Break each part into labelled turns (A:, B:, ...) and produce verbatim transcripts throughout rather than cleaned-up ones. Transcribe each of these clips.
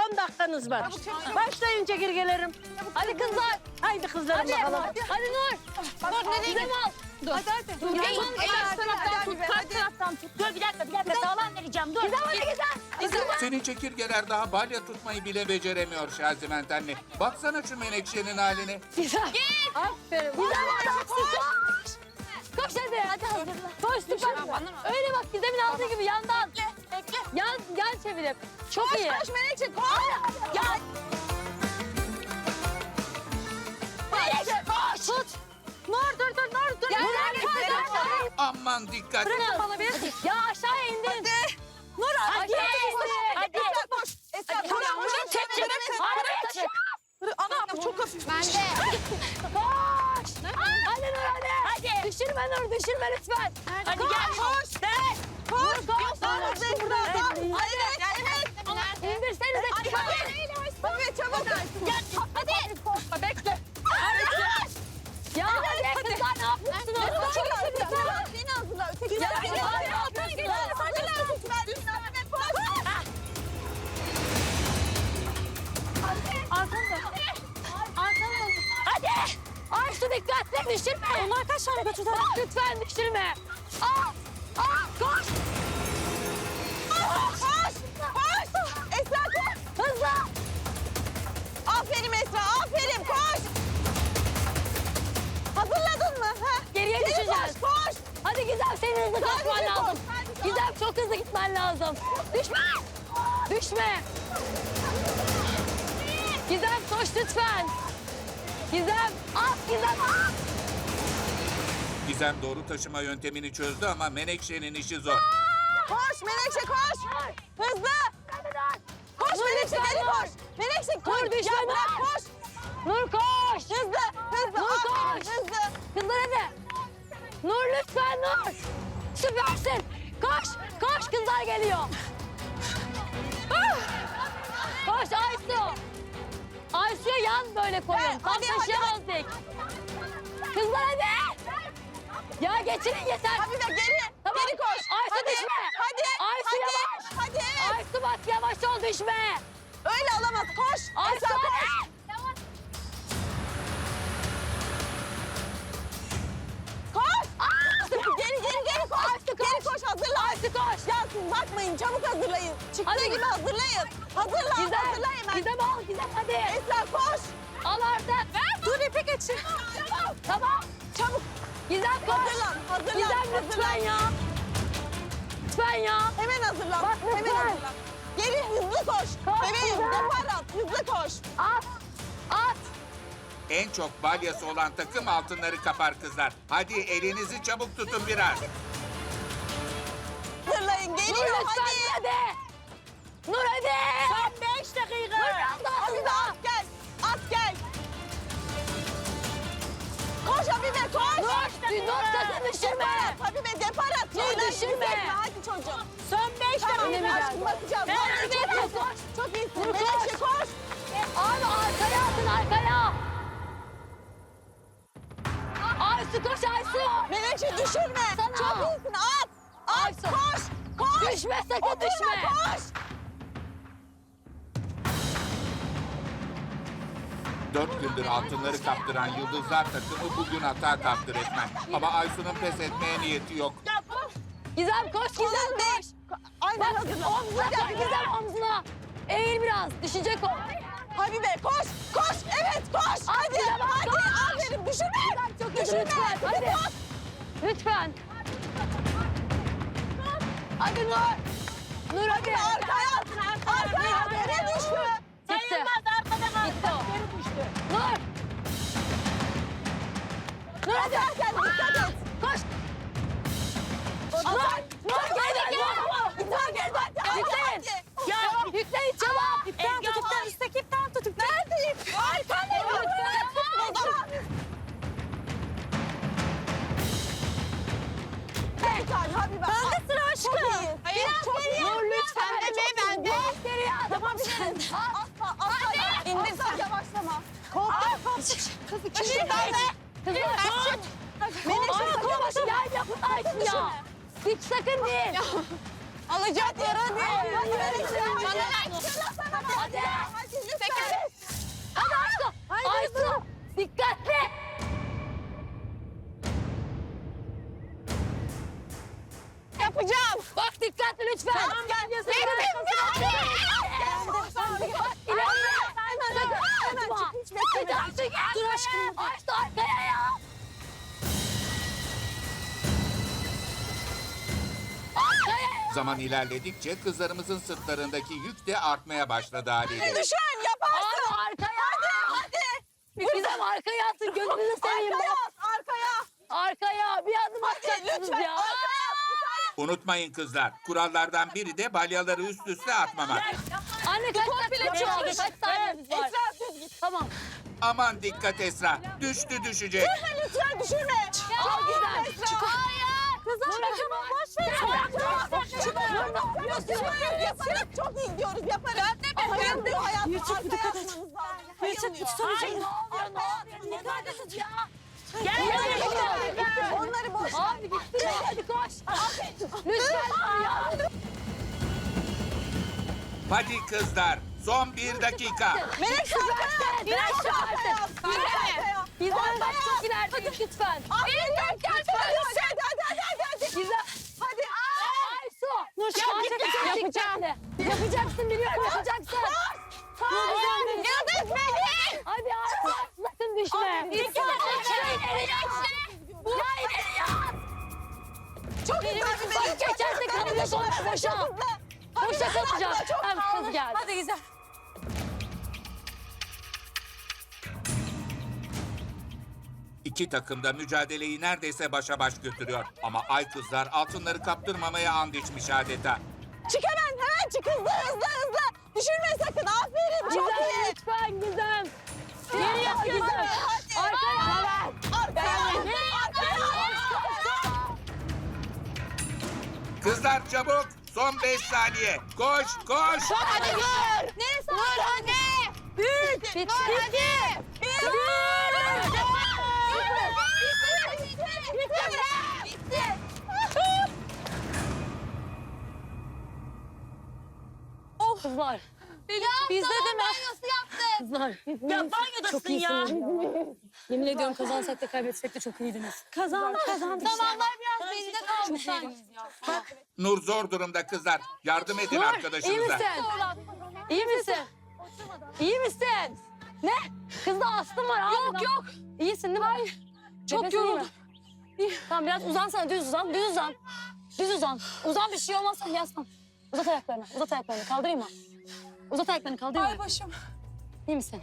A: on dakikanız var. Başlayın çekirgelerim.
B: Hadi kızlar.
A: Haydi kızlarım
B: Hadi.
A: bakalım.
B: Hadi Nur. Nur nereye gidiyorsun? Dur.
C: Hadi hadi.
B: Dur. Gel tut. Karşı taraftan tut. Karşı taraftan tut. Dur bir dakika bir dakika. Sağlam vereceğim. Dur. Güzel hadi güzel.
D: Senin çekirgeler daha balya tutmayı bile beceremiyor Şaziment anne. Baksana şu Menekşe'nin haline.
B: Güzel. Git. Aferin. Güzel adamsın. Koş. Koş hadi. Hadi hazırla. Koş süper. Öyle bak Gizem'in aldığı gibi yandan. Bekle. Yan, yan çevirip. Çok iyi. Koş Menekşe koş. Gel. Menekşe koş. Tut. Nur dur dur Nur dur. Gel gel gel.
D: Aman dikkat.
B: Bana bir. Ya aşağıya indin. Hadi. Nur hadi. Hadi. Hadi. Koş. Esra koş. Çek çek. Hadi. Anam çok hafif. Ben de. Koş. Hadi Nur hadi. Hadi. Düşürme Nur düşürme lütfen. Hadi gel. Koş. De. Koş. Koş. Hadi burada. Hadi. Evet. İndirsenize. Hadi. Evet çabuk. Gel. Hadi. Koş. Bekle. Hadi. Ya hadi kızlar ne yapıyorsunuz? Çok hazırla. Beni hazırla. Öteki ya beni hazırla. Öteki hazırla. Arkanda. Arkanda. Hadi. Ayşe dikkatli düşürme. Onlar kaç tane götürdü? Lütfen düşürme. Aa. Aa. Koş. Koş. Koş. Esra koş. Hızlı. Aferin Esra. Aferin. Koş. Hazırladın mı? Ha? Geriye Geri düşeceğiz. Koş, koş. Hadi Gizem senin hızlı koşman
C: Hadi
B: lazım.
C: koş, hadi
B: Gizem çok hızlı gitmen lazım. Düşme. Düşme. Gizem koş lütfen. Gizem at Gizem at.
D: Gizem doğru taşıma yöntemini çözdü ama Menekşe'nin işi zor.
C: Koş Menekşe koş. Hızlı. Koş Menekşe geri koş. Menekşe koş.
B: Dur düşme
C: Ya bırak
B: Nur.
C: koş.
B: Nur koş.
C: Hızlı. Hızlı.
B: Nur
C: Aferin,
B: koş.
C: Hızlı.
B: Kızlar hadi. Nur lütfen Nur. Süpersin. Koş. Koş kızlar geliyor. Ah! Koş Aysu. Aysu'ya yan böyle koyun.
C: Evet,
B: Tam
C: hadi, hadi,
B: taşıyamazdık. Kızlar hadi. Ya geçirin yeter.
C: Habibe geri.
B: Tamam.
C: Geri koş.
B: Aysu
C: hadi.
B: düşme.
C: Hadi.
B: Aysu
C: hadi.
B: yavaş.
C: Hadi evet.
B: Aysu bak yavaş ol düşme.
C: Öyle alamaz. Koş.
B: Aysu
C: Esra koş.
B: hadi.
C: Koş.
B: Aa!
C: Geri geri geri koş.
B: Aysu koş.
C: Geri koş hazırla.
B: Aysu koş.
C: Ya siz bakmayın çabuk hazırlayın. Çıktığı
B: Hadi.
C: gibi hazırlayın. Hazırla
B: Gizem.
C: hazırlayın. Ben.
B: Gizem al Gizem hadi.
C: Esra koş.
B: Al artık.
C: Dur ipe geçin.
B: Tamam. Tamam.
C: Çabuk.
B: Gizem koş.
C: Hazırlan. Hazırlan.
B: Gizem lütfen ya. Lütfen ya.
C: Hemen hazırlan.
B: Bak,
C: Hemen
B: lütfen.
C: hazırlan. Geri hızlı koş.
B: Koş,
C: Bebeğim
B: Gizem.
C: depar at. Hızlı koş.
B: At. At.
D: En çok balyası olan takım altınları kapar kızlar. Hadi elinizi çabuk tutun biraz.
C: Hazırlayın.
B: Nur
C: Geliyor
B: lütfen
C: hadi.
B: hadi. Nur hadi.
A: Son beş dakika.
B: Nur kaldı
C: Habibe
B: altında.
C: at gel. At gel. Koş Habibe koş.
B: Nur, Nur sakın düşürme.
C: Habibe depar at.
B: Nur,
C: Şeyler
B: düşürme.
C: yükseltme. Hadi çocuğum.
A: Son beş
C: Tamam
A: dakika.
C: aşkım bakacağım.
B: Ben
C: Vallahi
B: Habibe'ye
C: çok iyisin.
B: koş.
C: Çok iyisin.
B: Nur,
C: Menekşe
B: koş.
C: koş.
B: Abi arkaya atın arkaya. Aysu koş Aysu.
C: Menekşe düşürme.
B: Sana.
C: Çok iyisin. At. At
B: Aysu.
C: koş. Koş.
B: Düşme sakın
C: Oturma,
B: düşme.
C: koş.
D: Dört gündür altınları kaptıran Yıldızlar takımı bugün hata kaptı resmen. Ama Aysu'nun pes etmeye niyeti yok.
B: Gizem koş Gizem
C: Kolun
B: koş.
C: değil. Aynen
B: Bak
C: hazırla.
B: omzuna
C: Hadi
B: koy
C: Habibe.
B: Gizem omzuna. Eğil biraz düşecek o.
C: Habibe koş. Koş. Evet koş. Hadi.
B: Gizem,
C: Hadi.
B: koş.
C: Aferin. Düşürme.
B: Gizem çok hızlı
C: Düşürme.
B: lütfen hadi.
C: Koş.
B: Lütfen. Hadi Nur. Nur hadi.
C: Arkaya at. Arkaya at. Yere düştü.
B: Gitti.
A: Sayılmaz arkada kaldı.
B: Gitti o.
A: Geri düştü.
B: Nur. Nur hadi.
C: Atarken dikkat et.
B: Koş. Nur. Nur gel gel. Nur gel bak. Yükleyin. Ya yükleyin çabuk.
C: İpten tut. İpten. Üstteki ipten tut. Nerede ip? Arkada ip. Bir tane Habibe. Bende sıra aşkım.
B: Hayır.
C: Çok iyi.
B: Nur lütfen.
C: Pembe bende.
B: Biraz geriye at.
C: Tamam sen. Atma. Atma. İndir sen. Yavaşlama. Korktum. Kız ikisi bende.
B: Kızlar tut.
C: Menekşe
B: Ay
C: sakın
B: koş
C: başına.
B: ya yapın Aysu ya. Hiç sakın değil.
C: Alacak yara değil. Hadi Menekşe.
B: Hadi. aşkım. Aysu arkaya ya. Arkaya.
D: Zaman ilerledikçe kızlarımızın sırtlarındaki yük de artmaya başladı haliyle.
C: Düşün yaparsın.
B: Abi arkaya.
C: Hadi hadi.
B: Gizem arkaya atın gözünüzü seveyim.
C: Arkaya
B: bak.
C: at arkaya.
B: Arkaya bir adım
C: Hadi
B: atacaksınız
C: lütfen
B: ya.
C: arkaya at. Bir tane.
D: Unutmayın kızlar, kurallardan biri de balyaları üst üste atmamak.
B: Anne kaç
C: bile
B: dakika
C: çok
B: kaldı?
C: düşük.
B: Kaç saniyemiz var?
C: Esra düz git.
B: Tamam.
D: Aman dikkat Esra, düştü düşecek.
C: Düşme lütfen düşürme.
B: Çok güzel.
C: Esra.
B: Çık. Hayır. Kızım çıkma boş ver.
C: Çık. Çok iyi gidiyoruz yaparız. Ben de hayır diyor hayatım. Arkaya atmanız lazım.
B: Hayır ne oluyor ne oluyor? Ne neredesiniz ya? Gel
C: Onları
B: gel
C: boş ver.
B: gel.
C: Onları boş ver.
B: Abi gitti. Hadi koş. Lütfen ya.
D: Hadi kızlar, son bir dakika.
C: Melek arkaya.
B: Biraz
C: Çok arkaya.
B: şaşırt.
C: Çok arkaya.
B: Bizden bak çok ilerideyiz lütfen.
C: Aferin. Hadi hadi hadi hadi hadi.
B: Güzel.
C: Hadi.
B: Aysu. Nur çıkacak. Yapacağım. Yapacaksın biliyorum yapacaksın. Nur güzel.
C: Yıldız Melek.
B: Hadi Aysu. Sakın düşme.
C: Abi,
B: İki dakika ileri Ya ileri ya.
C: Çok güzel bir
B: Bak geçerse kalacak onu boşa. Boşa kalacak. Hem kız geldi.
C: Hadi güzel.
D: İki takım da mücadeleyi neredeyse başa baş götürüyor. Ama ay kızlar altınları kaptırmamaya and içmiş adeta.
C: Çık hemen hemen çık hızlı hızlı hızlı. Düşürme sakın aferin çok
B: Gizem
C: iyi.
B: lütfen Gizem. Geriye Gizem. Arkaya.
C: Arkaya. Arkaya.
D: Kızlar çabuk, son beş saniye. Koş, koş.
C: Hadi Nur.
B: Neresi
C: Nur hadi.
B: Büyük. Bitti.
C: Nur hadi. Bir. Nur. Bitti.
B: Kızlar. Bizde de mi? Kızlar.
A: Ya banyodasın
B: Çok
A: ya.
B: iyisiniz. Yemin ediyorum kazansak da kaybetsek de çok iyiydiniz.
A: Kazandık kazandık.
C: Zamanlar biraz geride kalmış sanki.
D: Nur zor durumda kızlar. Yardım edin
B: Nur iyi
D: arkadaşınıza.
B: misin? İyi misin? İyi misin? Ne? Kızda astım var. Yok yok. İyisin değil mi? Hayır. Çok yoruldum. Tamam biraz uzansana düz uzan. Düz uzan. Düz uzan. Uzan bir şey olmazsa yaslan. Uzat ayaklarını. Uzat ayaklarını. Kaldırayım mı? Uzat ayaklarını kaldırayım mı?
C: Ay başım.
B: İyi misin?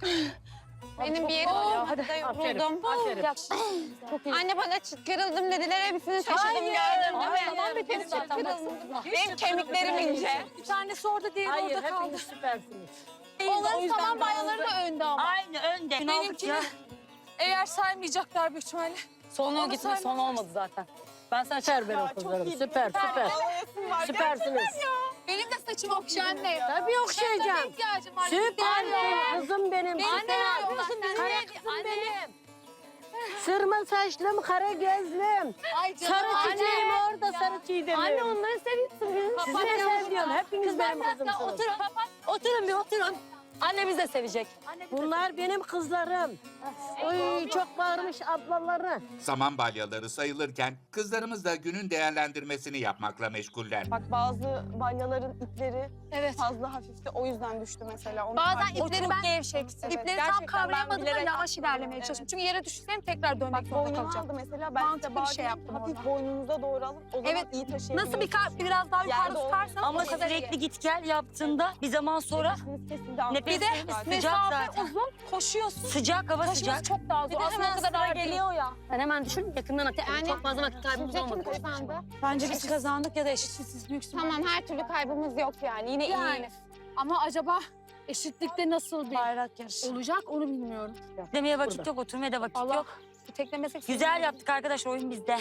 C: Benim bir yerim
B: Oh,
C: hadi de yoruldum.
B: Aferin. Çok iyi.
C: Anne bana çıt kırıldım dediler hepsini taşıdım gördün değil
B: Hayır,
C: mi?
B: tamam bitti zaten.
C: Benim kemiklerim ince.
B: Bir tanesi orada diğeri
A: Hayır
B: orada kaldı.
A: hepiniz süpersiniz.
C: Onların saman banyoları da önde ama.
A: Aynı önde.
B: Benimkini
C: Eğer saymayacaklar büyük ihtimalle.
B: son o gitti. Son olmadı zaten. Ben sana
A: Süper benim kızlarım. Süper süper. Süpersiniz.
C: Benim de saçım okşa anne.
A: Tabii okşayacağım.
C: İhtiyacım var.
A: Süper benim kızım benim.
C: Anne
A: Süper.
C: ne yapıyorsun?
A: Kara kızım benim. Sırma saçlım, kara gözlüm.
C: Ay canım
A: Sarı
C: anne.
A: çiçeğim orada, sarı çiğdemim.
B: Anne onları seviyorsun.
A: Sizi de seviyorum. Hepiniz
B: Kız
A: benim
B: ben hatta
A: kızımsınız.
B: oturun. Oturun bir oturun. Anne bizi de sevecek.
A: Bunlar benim kızlarım. Oy çok bağırmış ablaları.
D: Saman balyaları sayılırken kızlarımız da günün değerlendirmesini yapmakla meşguller.
E: Bak bazı balyaların ipleri
B: Evet.
E: fazla hafifti. O yüzden düştü mesela. Onu
C: Bazen
E: fark ettim.
C: ipleri ben gevşekti.
E: Evet,
C: İpleri
E: gerçekten
C: tam kavrayamadım
E: ben
C: da
E: bilerek
C: yavaş
E: yaptım.
C: ilerlemeye
E: Evet.
C: çalıştım. Çünkü yere düşsem tekrar dönmek
E: Bak
C: zorunda
E: boynunu
C: kalacağım.
E: aldı mesela. Ben
C: Mantıklı
E: size
C: bir
E: bazen
C: şey yaptım
E: hafif
C: orada.
E: boynunuza doğru alıp o zaman
C: Evet,
E: iyi taşıyabiliyorsunuz.
C: Nasıl bir kar biraz daha yukarı
E: Yerde
C: tutarsam
F: Ama
C: o kadar iyi.
F: sürekli git gel yaptığında bir zaman sonra
E: Nefesiniz kesildi.
F: Nefes-
C: Bir de
F: Sıcak
C: mesafe
F: zaten.
C: uzun, koşuyorsun.
F: sıcak hava
C: Taşıması
F: sıcak.
C: çok daha zor.
E: Bir de
C: Aslında
E: hemen
C: o kadar
E: sıra
C: ağır değil.
E: geliyor ya.
B: Ben hemen düşün yakından at.
C: Yani-
B: Çok fazla vakit kaybımız
C: Sizce kim
B: olmadı.
C: kazandı?
B: Bence biz kazandık ya da eşitsiz büyük ihtimalle.
C: Tamam her türlü kaybımız yok yani. Yine
B: Yani.
C: iyiyiz.
B: Ama acaba eşitlikte nasıl bir
E: Bayrak yarışı.
B: olacak onu bilmiyorum.
F: Demeye vakit yok, oturmaya da vakit
B: Allah
F: yok.
B: bu teklemesek
F: Güzel yaptık arkadaşlar, oyun bizde.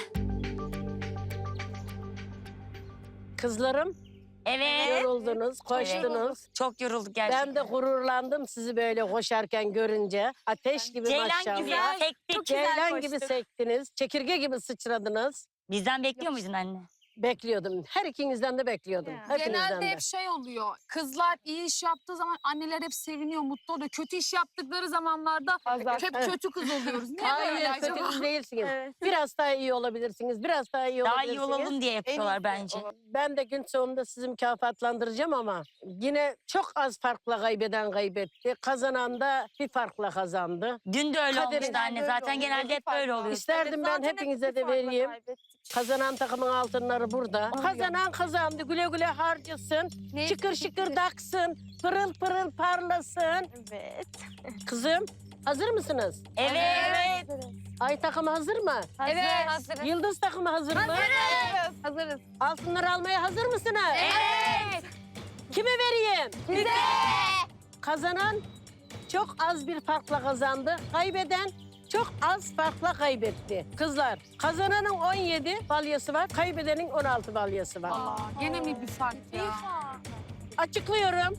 A: Kızlarım
F: Evet.
A: yoruldunuz, koştunuz.
F: Çok yorulduk gerçekten.
A: Ben de gururlandım sizi böyle koşarken görünce. Ateş gibi
F: Ceylan
A: maşallah.
F: gibi sektik.
A: Ceylan gibi sektiniz. Çekirge gibi sıçradınız.
F: Bizden bekliyor muydun anne?
A: Bekliyordum. Her ikinizden de bekliyordum. Hepinizden
B: Genelde
A: de.
B: hep şey oluyor. Kızlar iyi iş yaptığı zaman anneler hep seviniyor, mutlu oluyor. Kötü iş yaptıkları zamanlarda
E: Azar.
B: hep
A: Evet.
B: kötü kız oluyoruz. Niye böyle
A: Hayır, kötü
B: acaba?
A: kız değilsiniz.
E: Evet.
A: Biraz daha iyi olabilirsiniz. Biraz daha iyi
F: Daha
A: olabilirsiniz.
F: iyi olalım diye yapıyorlar
E: iyisi
F: bence.
E: olan.
A: Ben de gün sonunda sizi mükafatlandıracağım ama yine çok az farkla kaybeden kaybetti. Kazanan da bir farkla kazandı.
F: Dün de öyle
A: Kaderin
F: olmuştu anne.
E: böyle
F: Zaten
E: oluyor,
F: genelde hep
E: bir
F: böyle
E: farkla.
F: oluyor.
A: İsterdim ben
E: Zaten hep
A: hepinize
E: bir
A: de
E: farkla
A: vereyim.
E: kaybettik.
A: Kazanan takımın altınları burada. Kazanan kazandı. Güle güle harcasın.
B: Ne?
A: Şıkır şıkır daksın. Pırıl pırıl parlasın.
E: Evet.
A: Kızım hazır mısınız?
F: Evet.
A: Ay takımı hazır mı?
B: Evet. Hazırız.
A: Yıldız takımı hazır mı?
B: Hazırız.
A: Altınları almaya hazır mısınız?
B: Evet.
A: Kime vereyim?
B: Bize.
A: Kazanan çok az bir farkla kazandı. Kaybeden çok az farkla kaybetti. Kızlar, kazananın on yedi balyası var, kaybedenin on altı balyası var.
B: Aa, gene mi bir fark ya?
A: Açıklıyorum.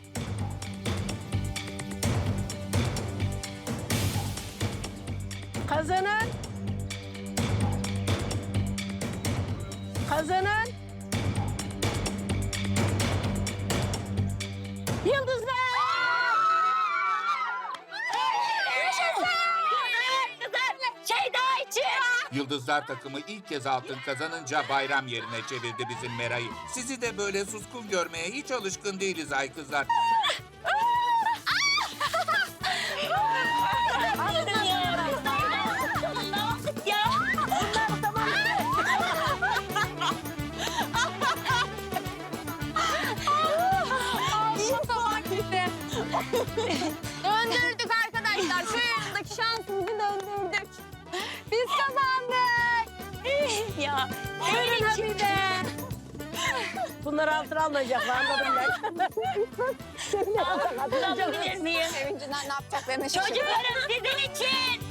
A: Kazanan Kazanan Yıldızlar!
F: Şeyda için.
D: Yıldızlar takımı ilk kez altın kazanınca bayram yerine çevirdi bizim Mera'yı. Sizi de böyle suskun görmeye hiç alışkın değiliz ay kızlar.
B: Döndürdük arkadaşlar. Şu yanındaki şansımızı döndürdük. Biz kazandık.
F: Ya.
A: Buyurun Habibe. Bunlar altın almayacaklar anladım ben.
F: Alabilir miyim?
B: Sevincinden ne yapacaklarını şaşırdık.
F: Çocuklarım sizin için.